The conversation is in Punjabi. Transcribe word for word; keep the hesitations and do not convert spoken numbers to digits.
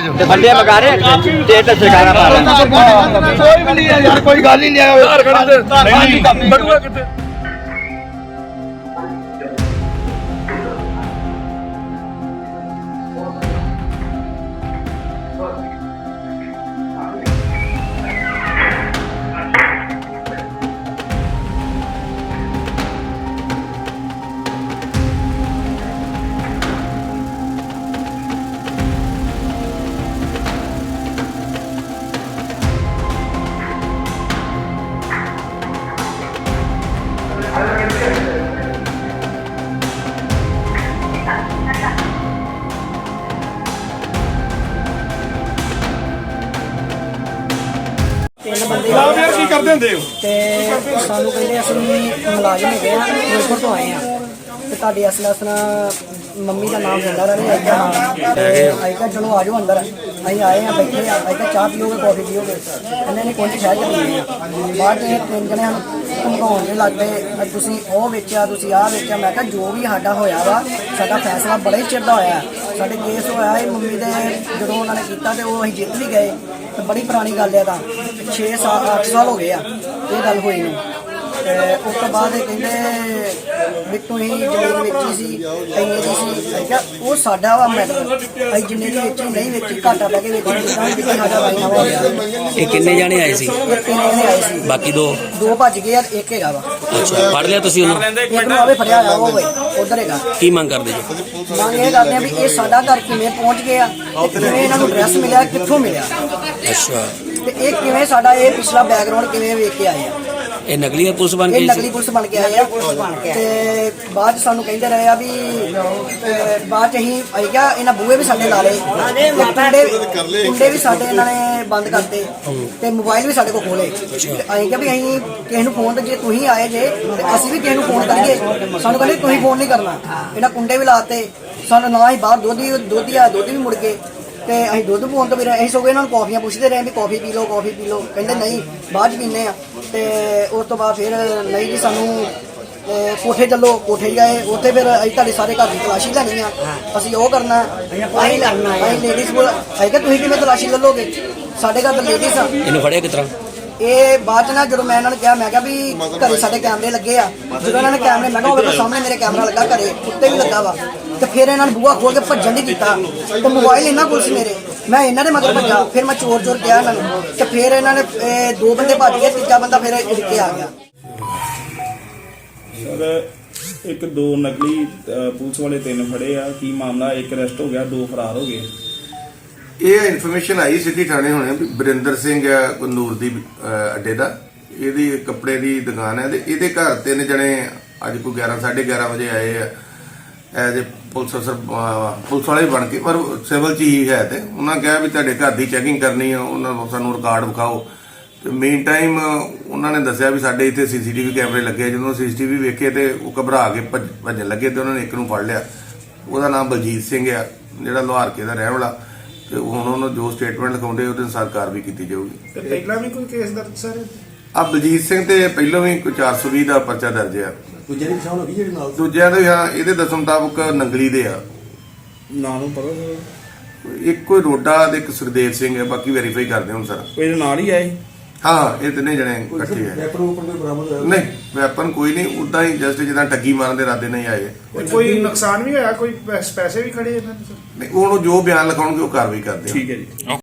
ਤੇ ਬੰਦੇ ਮਗਾ ਰਹੇ ਤੇ ਤੇ ਸਰਕਾਰਾਂ ਪਾ ਰਹੇ ਕੋਈ ਵੀ ਨਹੀਂ ਯਾਰ, ਕੋਈ ਗੱਲ ਹੀ ਨਹੀਂ ਹੈ। ਬੜੂਆ ਕਿੱਥੇ ਯਾਰ ਕੀ ਕਰਦੇ ਹੁੰਦੇ ਹੋ? ਤੇ ਸਾਨੂੰ ਕਹਿੰਦੇ ਅਸੀਂ ਮੁਲਾਜ਼ਮ ਹੈਗੇ ਆ, ਫਿਰੋਜ਼ਪੁਰ ਤੋਂ ਆਏ ਆ ਤੇ ਤੁਹਾਡੀ ਅਸਲ ਅਸਲ ਮੰਮੀ ਦਾ ਨਾਮ ਲੈਂਦਾ ਰਹੇ ਆਈਕਾ ਨਾਮ ਤੇ ਆਈਕਾ ਚਲੋ ਆ ਜਾਓ ਅੰਦਰ। ਅਸੀਂ ਆਏ ਆ, ਬੈਠੇ ਆ, ਆਈਕਾ ਚਾਹ ਪੀਓਗੇ ਕੌਫੀ ਪੀਓਗੇ? ਇਹਨਾਂ ਨੇ ਕੋਈ ਸ਼ਾਇਦ ਪੀਣੀ ਆ। ਬਾਅਦ ਇਹ ਤਿੰਨ ਜਣੇ ਸਾਨੂੰ ਧਮਕਾਉਣ ਦੇ ਲੱਗ ਪਏ, ਤੁਸੀਂ ਉਹ ਵੇਚਿਆ, ਤੁਸੀਂ ਆਹ ਵੇਚਿਆ। ਮੈਂ ਕਿਹਾ ਜੋ ਵੀ ਸਾਡਾ ਹੋਇਆ ਵਾ, ਸਾਡਾ ਫੈਸਲਾ ਬੜੇ ਚਿਰ ਦਾ ਹੋਇਆ। ਸਾਡੇ ਕੇਸ ਹੋਇਆ ਇਹ ਮੰਮੀ ਦੇ, ਜਦੋਂ ਉਹਨਾਂ ਨੇ ਕੀਤਾ ਤੇ ਉਹ ਅਸੀਂ ਜਿੱਤ ਵੀ ਗਏ ਤੇ ਬੜੀ ਪੁਰਾਣੀ ਗੱਲ ਹੈ। ਤਾਂ ਛੇ ਸਾਲ ਅੱਠ ਸਾਲ ਹੋ ਗਏ ਆ ਇਹ ਗੱਲ ਹੋਈ ਨੂੰ। ਉਸ ਤੋਂ ਬਾਅਦ ਇਹ ਕਹਿੰਦੇ ਵੀ ਤੁਸੀਂ ਜ਼ਮੀਨ ਵੇਚੀ ਸੀ, ਇੰਨੇ ਦੀ ਸੀ। ਮੈਂ ਕਿਹਾ ਉਹ ਸਾਡਾ ਵਾ ਮੈਟਰ, ਅਸੀਂ ਜਿੰਨੇ ਦੀ ਵੇਚੀ ਨਹੀਂ ਵੇਚੀ, ਘਾਟਾ ਲੈ ਕੇ ਵੇਚੀ, ਜਿੱਦਾਂ ਵੀ ਸਾਡਾ ਵਾਈਨਾ ਹੋ ਗਿਆ। ਇਹ ਕਿੰਨੇ ਜਾਣੇ ਆਏ ਸੀ? ਇਹ ਤਿੰਨ ਜਣੇ ਆਏ ਸੀ, ਬਾਕੀ ਦੋ ਦੋ ਭੱਜ ਗਏ ਆ, ਇੱਕ ਹੈਗਾ ਵਾ। ਅੱਛਾ, ਫੜ ਲਿਆ ਤੁਸੀਂ ਉਹਨੂੰ? ਇੱਕ ਨੂੰ ਆਵੇ ਫੜਿਆ ਹੋਇਆ ਉਹ ਵੇ ਉਧਰ ਹੈਗਾ। ਕੀ ਮੰਗ ਕਰਦੇ ਜੀ? ਮੰਗ ਇਹ ਕਰਦੇ ਆ ਵੀ ਇਹ ਸਾਡਾ ਘਰ ਕਿਵੇਂ ਪਹੁੰਚ ਗਿਆ ਤੇ ਕਿਵੇਂ ਇਹਨਾਂ ਨੂੰ ਐਡਰੈਸ ਮਿਲਿਆ, ਕਿੱਥੋਂ ਮਿਲਿਆ ਅੱਛਾ, ਤੇ ਇਹ ਕਿਵੇਂ ਸਾਡਾ ਇਹ ਪਿਛਲਾ ਬੈਕਗ੍ਰਾਉਂਡ ਕਿਵੇਂ ਵੇਖ ਕੇ ਆਏ ਆ। ਇਹ ਨਕਲੀ ਪੁਲਿਸ ਬਣ ਇਹ ਗਈ ਨਕਲੀ ਸੀ? ਪੁਲਿਸ ਬਣ ਕੇ ਆਏ ਆ ਤੇ ਬਾਅਦ 'ਚ ਸਾਨੂੰ ਕਹਿੰਦੇ ਰਹੇ ਆ ਵੀ ਅਹ, ਬਾਅਦ 'ਚ ਅਸੀਂ ਆਈ ਗਿਆ ਇਹਨਾਂ ਬੂਹੇ ਵੀ ਸਾਡੇ ਲਾ ਲਏ, ਕੁੰਡੇ ਕੁੰਡੇ ਵੀ ਸਾਡੇ ਇਹਨਾਂ ਨੇ ਬੰਦ ਕਰਤੇ ਤੇ ਮੋਬਾਈਲ ਵੀ ਸਾਡੇ ਕੋਲ ਖੋਲੇ। ਆਈ ਗਿਆ ਵੀ ਅਸੀਂ ਕਿਸੇ ਨੂੰ ਫੋਨ ਤੇ ਜੇ ਤੁਸੀਂ ਆਏ ਜੇ ਤੇ ਅਸੀਂ ਵੀ ਕਿਸੇ ਨੂੰ ਫੋਨ ਕਰੀਏ, ਸਾਨੂੰ ਕਹਿੰਦੇ ਤੁਸੀਂ ਫੋਨ ਨਹੀਂ ਕਰਨਾ। ਇਹਨਾਂ ਕੁੰਡੇ ਵੀ ਲਾਤੇ ਸਾਨੂੰ, ਨਾ ਹੀ ਬਾਹਰ ਦੁੱਧ ਦੁੱਧ ਆ ਦੁੱਧ ਵੀ ਮੁੜ ਗਏ ਤੇ ਅਸੀਂ ਦੁੱਧ ਪਾਉਣ ਤੋਂ ਵੀ ਰਹੇ। ਅਸੀਂ ਸਗੋਂ ਇਹਨਾਂ ਨੂੰ ਕੌਫੀਆਂ ਪੁੱਛਦੇ ਰਹੇ ਵੀ ਕੌਫੀ ਪੀ ਲਓ, ਕੌਫੀ ਪੀ ਲਓ। ਕਹਿੰਦੇ ਨਹੀਂ ਬਾਅਦ 'ਚ ਪੀਂਦੇ ਆ। ਤੇ ਉਸ ਤੋਂ ਬਾਅਦ ਫਿਰ ਨਹੀਂ ਜੀ ਸਾਨੂੰ ਕੋਠੇ ਚੱਲੋ, ਕੋਠੇ ਗਏ। ਉੱਥੇ ਫਿਰ ਅਸੀਂ ਤੁਹਾਡੇ ਸਾਰੇ ਘਰ ਦੀ ਤਲਾਸ਼ੀ ਲੈਣੀ ਆ, ਅਸੀਂ ਉਹ ਕਰਨਾ ਅਸੀਂ ਕਰਨਾ ਅਸੀਂ ਲੇਡੀਜ਼ ਕੋਲ ਅਸੀਂ ਕਿਹਾ ਤੁਸੀਂ ਕਿਵੇਂ ਤਲਾਸ਼ੀ ਲੈ ਲਓਗੇ, ਸਾਡੇ ਘਰ ਤਾਂ ਲੇਡੀਜ਼ ਆ। ਇਹਨੂੰ ਫੜਿਆ ਕਿਸ ਤਰ੍ਹਾਂ? ਇਹ ਬਾਅਦ 'ਚ ਨਾ ਜਦੋਂ ਮੈਂ ਇਹਨਾਂ ਨੂੰ ਕਿਹਾ, ਮੈਂ ਕਿਹਾ ਵੀ ਘਰੇ ਸਾਡੇ ਕੈਮਰੇ ਲੱਗੇ ਆ। ਜਦੋਂ ਇਹਨਾਂ ਨੇ ਕੈਮਰੇ, ਮੈਂ ਕਿਹਾ ਉਹਦੇ ਸਾਹਮਣੇ ਮੇਰੇ ਕੈਮਰਾ ਲੱਗਾ, ਘਰੇ ਉੱਤੇ ਵੀ ਲੱਗਾ ਵਾ। ਤੇ ਫਿਰ ਇਹਨਾਂ ਨੇ ਬੂਹਾ ਖੋਲ ਕੇ ਭੱਜਣ ਦੀ ਕੀਤਾ ਤੇ ਮੋਬਾਈਲ ਇਹਨਾਂ ਕੋਲ ਸੀ ਮੇਰੇ। ਮੈਂ ਇਹਨਾਂ ਦੇ ਮਗਰ ਭੱਜਾ, ਫਿਰ ਮੈਂ ਚੋਰ ਚੋਰ ਕਿਹਾ ਇਹਨਾਂ ਨੂੰ ਤੇ ਫਿਰ ਇਹਨਾਂ ਨੇ ਦੋ ਬੰਦੇ ਭੱਜ ਗਏ, ਤੀਜਾ ਬੰਦਾ ਫਿਰ ਇੜ ਕੇ ਆ ਗਿਆ। ਸਰ ਇੱਕ ਦੋ ਨਕਲੀ ਪੁਲਿਸ ਵਾਲੇ ਤਿੰਨ ਫੜੇ ਆ, ਕੀ ਮਾਮਲਾ? ਇੱਕ ਅਰੈਸਟ ਹੋ ਗਿਆ, ਦੋ ਫਰਾਰ ਹੋ ਗਏ। ਇਹ ਇਨਫੋਰਮੇਸ਼ਨ ਆਈ ਸਿੱਧੀ ਥਾਣੇ ਹੋਣੇ ਵੀ ਬਰਿੰਦਰ ਸਿੰਘ ਆ ਕਨੂਰ ਦੀ ਅੱਡੇ ਦਾ, ਇਹਦੀ ਕੱਪੜੇ ਦੀ ਦੁਕਾਨ ਹੈ ਤੇ ਇਹਦੇ ਘਰ ਤਿੰਨ ਜਣੇ ਅੱਜ ਕੋਈ ਗਿਆਰਾਂ ਸਾਢੇ ਗਿਆਰਾਂ ਵਜੇ ਆਏ ਆ ਐਜ਼ ਏ ਪੁਲਿਸ ਅਫਸਰ, ਪੁਲਿਸ ਵਾਲੇ ਬਣ ਕੇ, ਪਰ ਸਿਵਲ ਚ ਹੀ ਹੈ। ਤੇ ਉਹਨਾਂ ਕਿਹਾ ਵੀ ਤੁਹਾਡੇ ਘਰ ਦੀ ਚੈਕਿੰਗ ਕਰਨੀ ਆ, ਉਹਨਾਂ ਨੂੰ ਸਾਨੂੰ ਰਿਕਾਰਡ ਵਿਖਾਓ। ਤੇ ਮੇਨ ਟਾਈਮ ਉਹਨਾਂ ਨੇ ਦੱਸਿਆ ਵੀ ਸਾਡੇ ਇੱਥੇ ਸੀਸੀਟੀਵੀ ਕੈਮਰੇ ਲੱਗੇ। ਜਦੋਂ ਸੀਸੀਟੀਵੀ ਵੇਖੇ ਤੇ ਉਹ ਘਬਰਾ ਕੇ ਭੱਜਣ ਲੱਗੇ ਤੇ ਉਹਨਾਂ ਨੇ ਇੱਕ ਨੂੰ ਫੜ ਲਿਆ। ਉਹਦਾ ਨਾਮ ਬਲਜੀਤ ਸਿੰਘ ਆ, ਜਿਹੜਾ ਲੋਹਾਰਕੇ ਦਾ ਰਹਿਣ ਵਾਲਾ। ਤੇ ਹੁਣ ਉਹਨੂੰ ਜੋ ਸਟੇਟਮੈਂਟ ਲਿਖਾਉਂਦੇ ਉਹਦੇ ਅਨੁਸਾਰ ਕਾਰਵਾਈ ਕੀਤੀ ਜਾਊਗੀ। ਤੇ ਪਹਿਲਾਂ ਵੀ ਕੋਈ ਕੇਸ ਦਰਜ ਸਰ? ਆ ਬਲਜੀਤ ਸਿੰਘ ਤੇ ਪਹਿਲਾਂ ਵੀ ਕੋਈ ਚਾਰ ਸੌ ਵੀਹ ਦਾ ਪਰਚਾ ਦਰਜ ਆ। ਦੂਜੇ ਦੀ ਪਛਾਣ ਹੋ ਗਈ ਜਿਹੜੀ ਨਾਲ? ਦੂਜਿਆਂ ਦੇ ਹਾਂ, ਇਹਦੇ ਦੱਸਣ ਮੁਤਾਬਕ ਨੰਗਲੀ ਦੇ ਆ। ਨਾਂ ਨੂੰ ਪਤਾ ਸਰ? ਇੱਕ ਕੋਈ ਰੋਡਾ ਤੇ ਇੱਕ ਸੁਖਦੇਵ ਸਿੰਘ ਹੈ, ਬਾਕੀ ਵੈਰੀਫਾਈ ਕਰਦੇ ਹੁਣ ਸਰ। ਕੋਈ ਇਹਦੇ ਨਾਲ ਹੀ ਆਏ? ਹਾਂ, ਇਹ ਤਿੰਨੇ ਜਣੇ ਇਕੱਠੇ ਆ। ਵੈਪਨ ਵੂਪਨ ਕੋਈ ਬਰਾਮਦ ਹੋਇਆ? ਨਹੀਂ, ਵੈਪਨ ਕੋਈ ਨਹੀਂ, ਉਦਾਂ ਹੀ ਜਸਟ ਜਿੱਦਾਂ ਠੱਗੀ ਮਾਰਨ ਦੇ ਇਰਾਦੇ ਨਹੀਂ ਆਏ। ਕੋਈ ਨੁਕਸਾਨ ਵੀ ਹੋਇਆ? ਕੋਈ ਪੈਸੇ ਵੀ ਖੜੇ ਇਹਨਾਂ ਦੇ? ਨਹੀਂ, ਉਹਨੂੰ ਜੋ ਬਿਆਨ ਲਿਖਾਉਣਗੇ ਉਹ ਕਾਰਵਾਈ ਕਰਦੇ ਆ। ਠੀਕ ਹੈ ਜੀ।